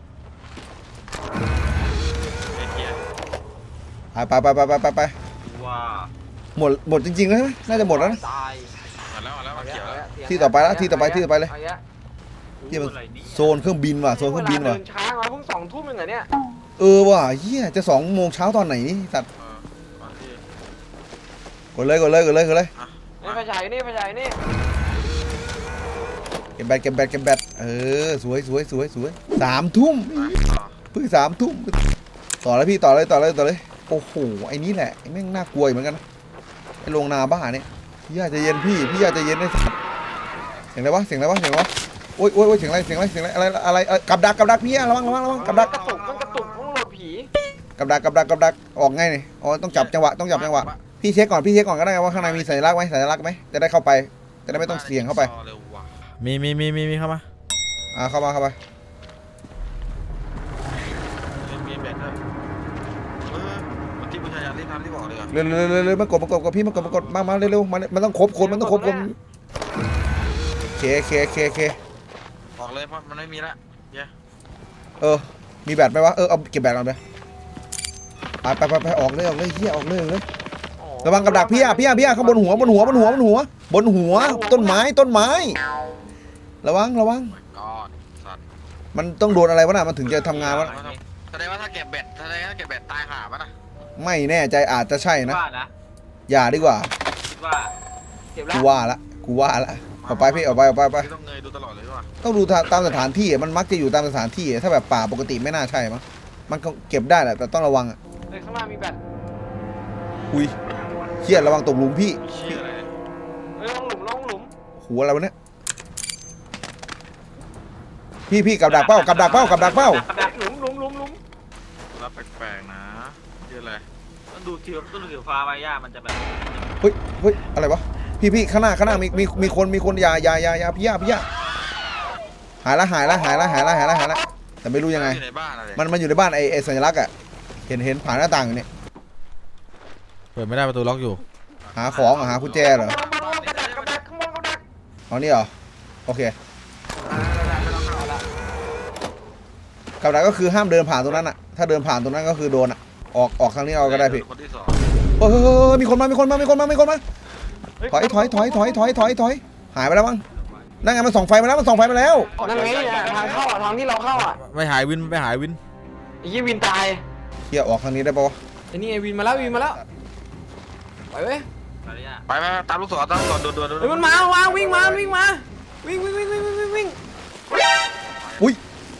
Speaker 2: ไอ้เหี้ย
Speaker 1: ไปไปไปไปไปไป
Speaker 5: ว่า
Speaker 1: หมดหมดจริงๆแล้วใช่ไหมน่าจะหมดแล้วนะ
Speaker 6: ตาย
Speaker 2: มาแล้วมาแล้วมาเขียวแล้ว
Speaker 1: ที่ต่อไปแล้วที่ต่อไปที่ต่อไปเลย
Speaker 6: างี้
Speaker 1: เฮียมัน
Speaker 5: อะไรนี่
Speaker 1: โซนเครื่องบินว่ะโซนเครื่องบินว่ะ
Speaker 6: เดินช้ามาเพิ่งสองทุ่มเองเหรอเนี่ย
Speaker 1: เออว่ะเฮียจะสองโมงเช้าตอนไหนนี่สัตว์
Speaker 2: เออมาที่
Speaker 1: กดเลยกดเลยกดเลยกดเลย
Speaker 6: ไอ้ไฟฉายนี่ไฟฉายนี่
Speaker 1: เก็บแบตเก็บแบตเก็บแบตเออสวยสวยสวยสวยสามทุ่ม
Speaker 2: ต่อ
Speaker 1: เพิ่งสามทุ่มต่อเลยพี่ต่อเลยต่อเลยต่อเลยโอ้โหไอ้นี่แหละไอ้แม่งน่ากลัวเหมือนกันนะไอ้โรงนาบ้าเนี่ยพี่อยากจะเย็นพี่พี่อยากจะเย็นได้สัตว์เสียงอะไรวะเสียงอะไรวะเสียงอะไรวะโอ๊ยโอ๊ยโอ๊ยเสียงอะไรเสียงอะไรเสียงอะไรอะไรอะไรเอ่อกับดักกับดักพี่อะระวังระวังระวังกับดัก
Speaker 6: กระตุกมันกระตุกต้องโหลดผี
Speaker 1: กับดักกับดักกับดักออกไงนี่อ๋อต้องจับจังหวะต้องจับจังหวะพี่เช็คก่อนพี่เช็คก่อนก็ได้ว่าข้างในมีสัญลักษณ์ไหมสัญลักษณ์ไหมจะได้เข้าไปจะได้ไม่ต้องเสี่ยงเข้าไป
Speaker 2: เร็วว่ะ
Speaker 4: มีมีมีมีมีเข้ามา
Speaker 1: อ่าเข้ามาเข้าไป
Speaker 2: ทำที่บอกเลย
Speaker 1: เร็วเร็วเร็วเร็วมากดมากดกับพี่มากดมากดมามาเร็วเร็วมันมันต้องครบคนมันต้องครบคนเคเคเคเค
Speaker 2: ออกเลยเพราะมันไม่มีละเย้
Speaker 1: เออมีแบตไหมวะเออเอาเก็บแบตก่อนไปไปไปไปออกเลยออกเลยเฮียออกเลยเลยระวังกับดักพี่อ่ะพี่อ่ะพี่อ่ะข้างบนหัวบนหัวบนหัวบนหัวบนหัวต้นไม้ต้นไม้ระวังระวัง
Speaker 2: กอดสัตว์
Speaker 1: มันต้องโดนอะไรวะน่ะมันถึงจะทำงานวะ
Speaker 2: แสดงว่าถ้าเก็บเบ็ดแสดงว่าถ้าเก็บเบ็ดตายหาปะนะ
Speaker 1: ไม่แน่ใจอาจจะใช่นะ
Speaker 5: ว่านะ
Speaker 1: อย่าดีกว่า
Speaker 5: คิดว่า
Speaker 6: เก็บแล้
Speaker 1: กู
Speaker 6: ว
Speaker 1: ว่าละกูว่าละออกไปพี่ออกไปออกไปออกไป
Speaker 2: ไม่ต้องเงยดูตลอดเลยว่ะ
Speaker 1: ต้องดูตามสถานที่มันมักจะอยู่ตามสถานที่ถ้าแบบป่าปกติไม่น่าใช่มั้งมันก็เก็บได้แหละแต่ต้องระวังอ่ะ
Speaker 6: เฮ้ยข้างล่างมีแบต
Speaker 1: อุ้ยเครียดระวังตกหลุมพี่
Speaker 2: เชี่ยอะไร
Speaker 6: เฮ้ยลงหลุมลงหลุม
Speaker 1: หัวอะไรวะเนี่ยพี่พี่กับดักเป้ากับดักเป้ากับดักเป้า
Speaker 6: แบตหลุมหลุมหลุมหลุม
Speaker 2: รับแปลกๆนะเชี่ยอะไร
Speaker 5: ต้องดูทีต้องดูสีฟ้าใบหญ้ามันจะแบบ
Speaker 1: เฮ้ยเฮ้ยอะไรวะพี่พี่ข้างหน้าข้างหน้ามีมีมีคนมีคนอยาอยาอยาอยาพี่ยาพี่ยาหายละหายละหายละหายละหายละหายละแต่ไม่รู้ยังไง
Speaker 2: อยู่ในบ้านอะไร
Speaker 1: มันมันอยู่ในบ้านไอ้ไอ้สัญลักษณ์อ่ะเห็นเห็นผ่านหน้าต่างอยู่เนี่ย
Speaker 4: เปิดไม่ได้ประตูล็อกอยู่
Speaker 1: หาของเหรอหากุญแจเหรอ
Speaker 6: ข้างบนกระดักกระดักข้างบนกระดัก
Speaker 1: เอานี่เหรอโอเคกับดักก็คือห้ามเดินผ่านตรงนั้นอ่ะถ้าเดินผ่านตรงนั้นก็คือโดนอ่ะออกออกทางนี้เอาก็ได้พี่
Speaker 2: คนที่สอง
Speaker 1: เฮ้ยมีคนมามีคนมามีคนมามีคนมาถอยถอยถอยถอยถอยถอยถอยหายไปแล้วมั้งนั่นไงมันส่องไฟมาแล้วมันส่องไฟมาแล้ว
Speaker 6: นั่นไงอ่ะทางเข้าอ่ะทางที่เราเข้าอ่ะ
Speaker 4: ไม่หายวินไม่หายวิน
Speaker 6: ไอ้ยี่วินตาย
Speaker 1: เฮียออกทางนี้ได้ปะวะ
Speaker 6: ไอ้นี่ไอ้วินมาแล้ววินมาแล้วไปเว้ย
Speaker 5: อะไรเนี่ย
Speaker 2: ไปไปตามลูกศรตามลูกศรด่วนๆ
Speaker 6: เฮ้ยมันมามาวิ่งมาวิ่งมาวิ่งวิ่งวิ่งวิ่งวิ่งวิ่ง
Speaker 1: อุ้ย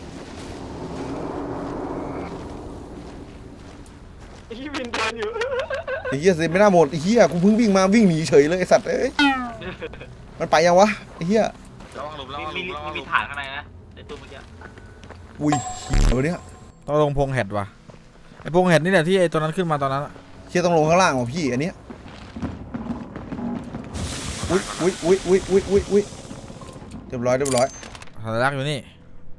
Speaker 6: ไอ้ยี่วินเดินอยู่
Speaker 1: ไอ้เฮียเซนไม่น่าหมดไอ้เฮียกูเพิ่งวิ่งมาวิ่งหนีเฉยเลยไอ้สัตว์เอ้ยมันไปยังวะไอ้เฮีย
Speaker 2: ระวังหลุมระ
Speaker 5: มี
Speaker 2: วังหลุ
Speaker 5: มี
Speaker 2: มระวังห
Speaker 5: มี
Speaker 2: ลุม
Speaker 5: ฐานข้างในนะในตู้เมื่อกี้
Speaker 1: อุ้ยเดี๋ยวนี้
Speaker 4: ต้องลงพงแฮดว่ะไอพงแฮดนี่แหละที่ไอตัวนั้นขึ้นมาตอนนั้นอะ
Speaker 1: เฮียต้องลงข้างล่างว่ะพี่อันเนี้ยอุ้ยอุ้ยอุ้ยอุ้ยอุ้ยอุ้ยอุ้ยเรียบร้อยเรียบร้อย
Speaker 4: สัญลักษณ์อยู่นี่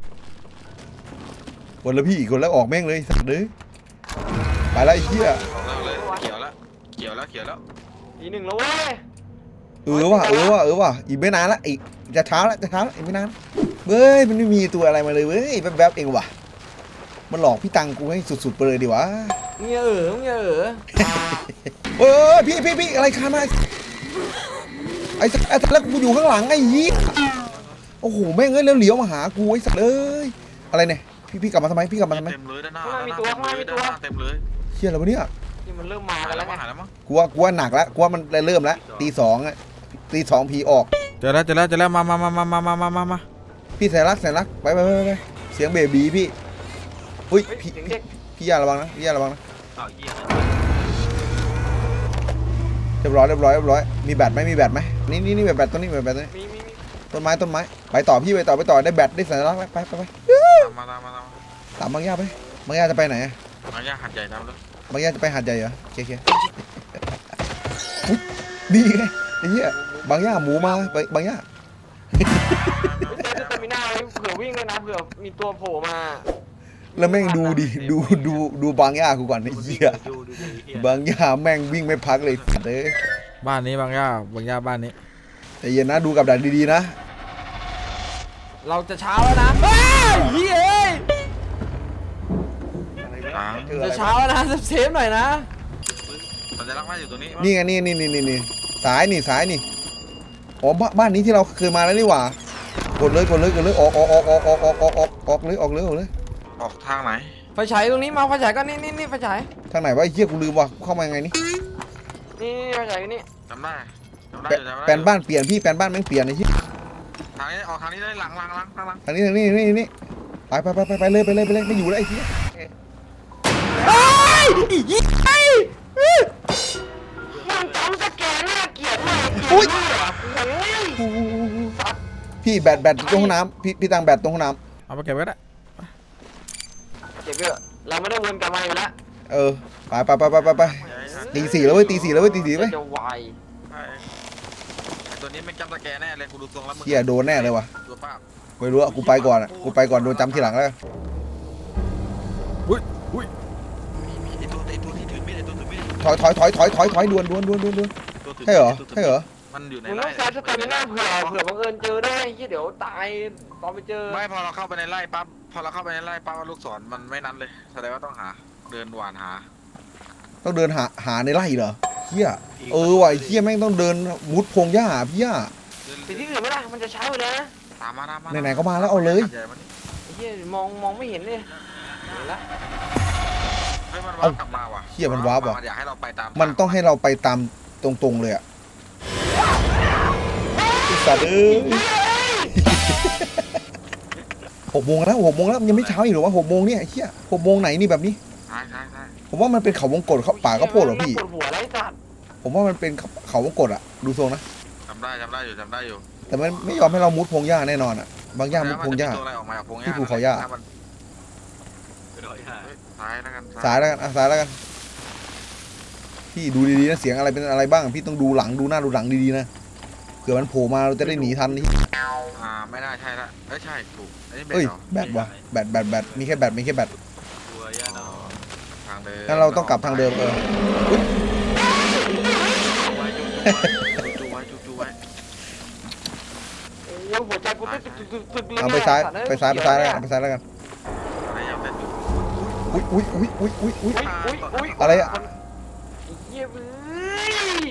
Speaker 1: คนละพี่คนแล้วออกแม่งเลยสัตว์เลยไปแล้วไอ้เฮีย
Speaker 2: ออกแล้วเลยเขียวแล้วเขียวแล้วเขียวแล้ว
Speaker 6: อีหนึ่งแล้วเว้ย
Speaker 1: เออว่ะเออว่ะเออว่ะอีกไม่นานละอีกจะเช้าละจะเช้าละอีกไม่นานเว้ยมันไม่มีตัวอะไรมาเลยเว้ยแวบๆเองว่ะมันหลอกพี่ตังกูให้สุดๆไปเลยดีวะ
Speaker 6: มึงอย่าเออมึงอย่าเออ
Speaker 1: เออพี่พี่พี่อะไรคานมาไอ้สัตว์ไอ้สัตว์แล้วกูอยู่ข้างหลังไอ้ยี่โอ้โหแม่งเอ้ยแล้วเหลียวมาหากูไอ้สัตว์เอ้ยอะไรเนี่ยพี่พี่กลับมาทำไมพี่กลับมาทำไม
Speaker 2: เต็มเลยด้านหน้าด้านหน้าเต็มเลยด้านหน้าเต็มเลย
Speaker 1: เชี่ยอะไรวะเนี่ย
Speaker 6: นี่มันเริ่มมา
Speaker 2: หาย
Speaker 6: กัน
Speaker 2: แล้
Speaker 6: แล้ว ว
Speaker 2: มั้
Speaker 6: ไง
Speaker 2: งหายแล้วมั้ง
Speaker 1: กูว่ากูว่าหนักแล้วกูว่ามันเริ่มแล้วตีสองอะตีสองผีออก
Speaker 4: เจอแล้วเจอแล้วเจอแล้วมามามามามามามามามา
Speaker 1: พี่แสนรักแสนรักไปไปไปไปเสียงเบบีพี่อุ้ย
Speaker 6: เฮ้ย
Speaker 1: พี่
Speaker 6: เสียงเด็ก
Speaker 1: พี่ยาระวังนะพี่ยาระวังนะ
Speaker 5: อ้าวเยี่ยม
Speaker 1: เรียบร้อยเรียบร้อยเรียบร้อยมีแบตไหมมีแบตไหมนี่นี่นี่แบตแบตตัวนี้แบตแบตตัวนี้
Speaker 6: มีมีมี
Speaker 1: ต้นไม้ต้นไม้ไปต่อพี่ไปต่อไปต่อได้แบตได้สัญลักษณ์แล้วไปไปไป
Speaker 2: ตามมาตามมาตามมา
Speaker 1: ตามบางย่าไปบางย่าจะไปไหนอะ
Speaker 2: มาย่าหัดใหญ่ดำแล้ว
Speaker 1: บางย่าจะไปหาดใหญ่เหรอเคเคอุ๊ยนี่ไงไอ้เหี้ยบางย่าหมูมาไปบางย่า
Speaker 6: เฮ้ยเต้นเตมิน่าไว้เผื่อวิ่งเลยนะเผื่อมีตัวโผล่มา
Speaker 1: แล้วแม่งดูดิดูดูดูบางย่ากูก่อนไอ้เหี้ย
Speaker 5: ดูดูดูเหี้ย
Speaker 1: บางย่าแม่งวิ่งไม่พักเลยสัตว์เอ้ย
Speaker 4: บ้านนี้บางย่าบางย่าบ้านนี้
Speaker 1: ใจเย็นนะดูกับดักดีๆนะ
Speaker 6: เราจะเช้าแล้วนะเฮ้ยเฮ้ยเอ้ย
Speaker 2: ตาม
Speaker 6: จะเช้าแล้วนะเซฟๆหน่อยนะ
Speaker 2: สัญลักษณ์ว่าอยู่ตรงนี้
Speaker 1: นี่ไงนี่นี่นี่นี่นี่สายนี่สายนี่อ๋อบ้านบ้านนี้ที่เราเคยมาแล้วนี่หว่ากดเลยกดเลยกดเลยออกออกออกออกออกออกออกออกออกเลยออกเลยออกเลย
Speaker 2: ออกทางไหน
Speaker 6: ไฟฉายตรงนี้มาไฟฉายก็นี่นี่นี่ไฟฉาย
Speaker 1: ทางไหนวะไอ้เหี้ยกูลืมว่ะเข้ามายังไงนี่
Speaker 6: นี่นี่ไฟฉายอยู่นี่
Speaker 2: จำได้จำได้
Speaker 1: แป
Speaker 2: อยู่จำได้
Speaker 1: แปลนบ้านเปลี่ยนพี่แปลนบ้านแม่งเปลี่ยนไอ้เหี้ย
Speaker 2: ทางนี้ออกทางนี้ได้หลังหลังหลังหลังหลัง
Speaker 1: ทางนี้ทางนี้นี่นี่ไปไปไปไปไปเลยไปเลยไปเลยไม่อยู่แล้วไอ้เหี้ย
Speaker 6: เฮ้ยอียี่ไอ้มันจำสแกนน่าเกลียดมาก
Speaker 1: อุ้ย
Speaker 6: โอ้ย
Speaker 1: พี่แบตแบตตรงห้องน้ำพี่พี่ตังแบตตรงห้องน้
Speaker 4: เอาไปเก็บไว้ก็ได้
Speaker 6: เก็บเยอะเราไม่ได้วนกลับมาอยู่แล้ว
Speaker 1: ำเออไปไปไปไปไปไปตีสี่แล้วเว้ยตีสี่แล้วเว้ยตีสี่เว้ย
Speaker 6: จะวาย
Speaker 2: ไอ้ตัวนี้ไม่จำตะแกแน่เลยกูดูทรงแล้วมึง
Speaker 1: เหี้ยโดนแน่เลยว่ะ
Speaker 2: ตัวป้า
Speaker 1: ไม่รู้อะกูไปก่อนอะกูไปก่อนโดนจำทีหลังแล้ว
Speaker 4: อุ้ยอุ้ย
Speaker 2: มีมีไอตัวไอตัวที่ถือมีดไอตัวถือมีด
Speaker 1: ถอยถอยถอยถอยถอยถอยด่วนด่วนด่วนด่วนด่วน
Speaker 2: ตัวถื
Speaker 1: ใช่เหรอ
Speaker 2: ตัวถื
Speaker 1: ใช่เหรอ
Speaker 2: มันอยู่ใน
Speaker 3: มึง
Speaker 2: ไร่
Speaker 3: ต้องใช้สเตมิน่าเผื่อเผื่อบังเอิญเจอได้เฮียเดี๋ยวตายตอนไปเจอ
Speaker 2: ไม่พอเราเข้าไปในไร่ปั๊บพอเราเข้าไปในไร่ปั๊บลูกศรมันไม่นั้นเลยแสดงว่าต้องหาเดินหวานหา
Speaker 1: ต้องเดินหาหาในไร่เหรอเฮียเออว่ะไอ้เฮียแม่งต้องเดินมุดพงหญ้าหาพี่ย่า
Speaker 2: เดิน
Speaker 3: ไปที่อื่นไหมล่ะมันจะเช้าเลยนะ
Speaker 2: ตามมาตามมา
Speaker 1: ไหนๆก็มาแล้วเอาเลย
Speaker 2: ใหญ่มานี่
Speaker 3: ไอ้เฮียมองมองไม่เห็นเลยเห็นละ
Speaker 2: เฮ้ยมันวาร์ปกลับมาว่ะ
Speaker 1: เฮียมันวาร์ปว่ะ
Speaker 2: มันอยากให้เราไปตาม
Speaker 1: มันต้องให้เราไปตามตรงๆเลยอะไอ้สัตว์เอ้ยหกโมงแล้วหกโมงแล้วมันยังไม่เช้าอีกเหรอวะหกโมงเนี่ยไอ้เฮียหกโมงไหนนี่แบบนี้
Speaker 2: ใช่ใช่ใช่
Speaker 1: ผมว่ามันเป็นเขาวงกตเขาป่าข้าวโพดเหรอพี่
Speaker 3: ปวดหัวไรสัตว์
Speaker 1: ผมว่ามันเป็นเขาวงกตอะดูทรงนะ
Speaker 2: จำได้จำได้อยู่จำได้อยู่
Speaker 1: แต่มันไม่ยอมให้เรามุดพงหญ้าแน่นอนอะบางหญ้ามุดพงหญ้า
Speaker 2: แล้วมันจะมีตัวอะไรออกมาจากพงหญ้า
Speaker 1: ที่ภูเขาหญ้า
Speaker 2: ถ้มัน
Speaker 5: ไปร้อยห้า
Speaker 2: เฮ้ยซ้ายแล้วกัน
Speaker 1: สายแล้วกันอ่ะสายแล้วกัน พี่ดูดีๆนะเสียงอะไรเป็นอะไรบ้าง พี่ต้องดูหลังดูหน้าดูหลังดีๆนะเผื่อมันโผล่มาเราจะได้หนีทันนี่
Speaker 2: อ่าไม่น่าใช่ละเอ้ยใช่ถูกอันนี้เป็น
Speaker 1: เอ้ย
Speaker 2: เหรอ
Speaker 1: แบตวะแบตแบตแบตมีแค่แบตมีแค่แบต
Speaker 5: ตัวยาดอง
Speaker 2: ทางเดิม
Speaker 1: งั้นเราต้องกลับทางเดิมเออ
Speaker 2: จูไว้จูไว้จูจูไว้
Speaker 3: โอ้ยหัวใจกูตึกตึกตึกตึกเลย
Speaker 1: เอาไปซ้ายไปซ้ายไปซ้ายแล้วกันไปซ้ายแล้วกัน
Speaker 2: อะไรยังเป็นอยู่
Speaker 1: อุ้ยอุ้ยอุ้ยอุ้ยอุ้ยอุ้ย
Speaker 3: อุ้ยอุ้ย
Speaker 1: อะไรอะ
Speaker 3: ไอ้เหี้ยเว้ย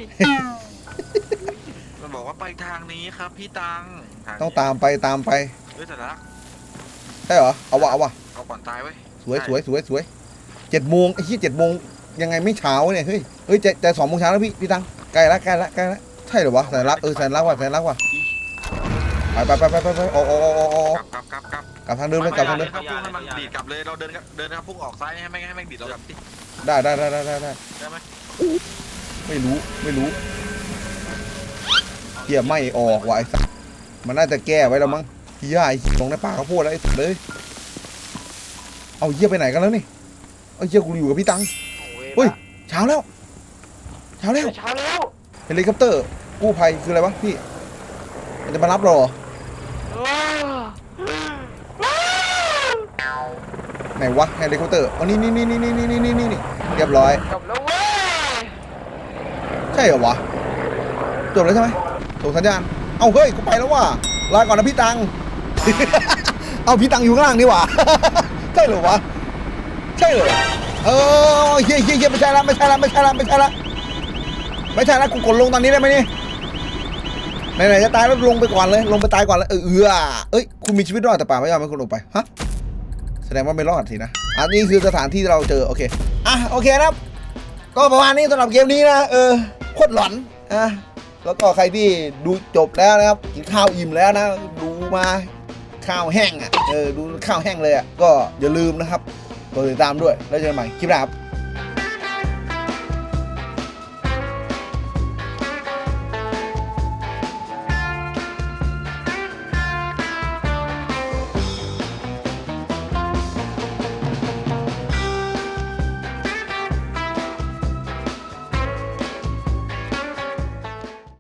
Speaker 2: มันบอกว่าไปทางนี้ครับพี่ตังทนี้
Speaker 1: ต้องตามไปตามไป
Speaker 2: เฮ้ยแต่ละ
Speaker 1: ใช่เหรอเอาวะเอาวะ
Speaker 2: เอาก่อนตายเว้ย
Speaker 1: สวยสวยสวยสวยเจ็ดโมงไอ้ที่เจ็ดโมงยังไงไม่เช้าเนี่ยเฮ้ยเฮ้ยจะจะสองโมงเช้าแล้วพี่พี่ตังใกล้ละใกล้ละใกล้ละใช่เหรอวะแสนรักเออแสนรักว่ะแสนรักว่ะไปไปไปไปไปไปออกออกออกออกออก
Speaker 2: กลับกลับกลับกลับ
Speaker 1: กลับทางเดิมเลยกลับทางเดิม
Speaker 2: ครับพุ่งให้มันดีดกลับเลยเราเดินกลับเดินครับพุ่งออกซ้ายให้ไม่ให้แม่งดีดเรากลับดิ
Speaker 1: ได้ได้ได้ได้ได้ได้
Speaker 2: ได้ไหม
Speaker 1: ไม่รู้ไม่รู้เฮียไม่ออกว่ะไอ้สัสมันน่าจะแก้ไว้แล้วมั้งเฮียไอ้ตรงในป่าข้าวโพดแล้วไอ้สัสเลยเอาเฮียไปไหนกันแล้วนี่เอาเฮียกูอยู่กับพี่ตัง เฮ้ย เช้าแล้วเช้าแล้ว
Speaker 3: เช้าแล้ว
Speaker 1: เฮลิคอปเตอร์กู้ภัยคืออะไรวะพี่มันจะมารับเราเหรอ
Speaker 3: เออ
Speaker 1: ไหนวะเฮลิคอปเตอร์อ๋อนี่นี่นี่นี่นี่นี่นี่นี่เรียบร้อย
Speaker 3: กลับแล้วเว้ย
Speaker 1: ใช่เหรอวะจบแล้วใช่ไหมส่งสัญญาณเอาเฮ้ยกูไปแล้วว่ะลาก่อนนะพี่ตัง เอาพี่ตังอยู่ข้างล่างนี่หว่า ใช่เหรอวะใช่เหรอเออเฮียเฮียเฮียไม่ใช่ละไม่ใช่ละไม่ใช่ละไม่ใช่ละไม่ใช่ละกูกดลงตอนนี้ได้ไหมนี่ไหนๆจะตายแล้วลงไปก่อนเลยลงไปตายก่อนเลยเออเออเอ้ยคุณมีชีวิตรอดแต่ป่าไม่ยอมให้คุณลงไปฮะแสดงว่าไม่รอดสินะอันนี้คือสถานที่ที่เราเจอโอเคอ่ะโอเคนะครับก็ประมาณนี้สำหรับเกมนี้นะเออโคตรหลอนอ่ะแล้วก็ใครที่ดูจบแล้วนะครับกินข้าวอิ่มแล้วนะดูมาข้าวแห้งอ่ะเออดูข้าวแห้งเลยอ่ะก็อย่าลืมนะครับกดติดตามด้วยแล้วเจอกันใหม่คลิปหน้าครับ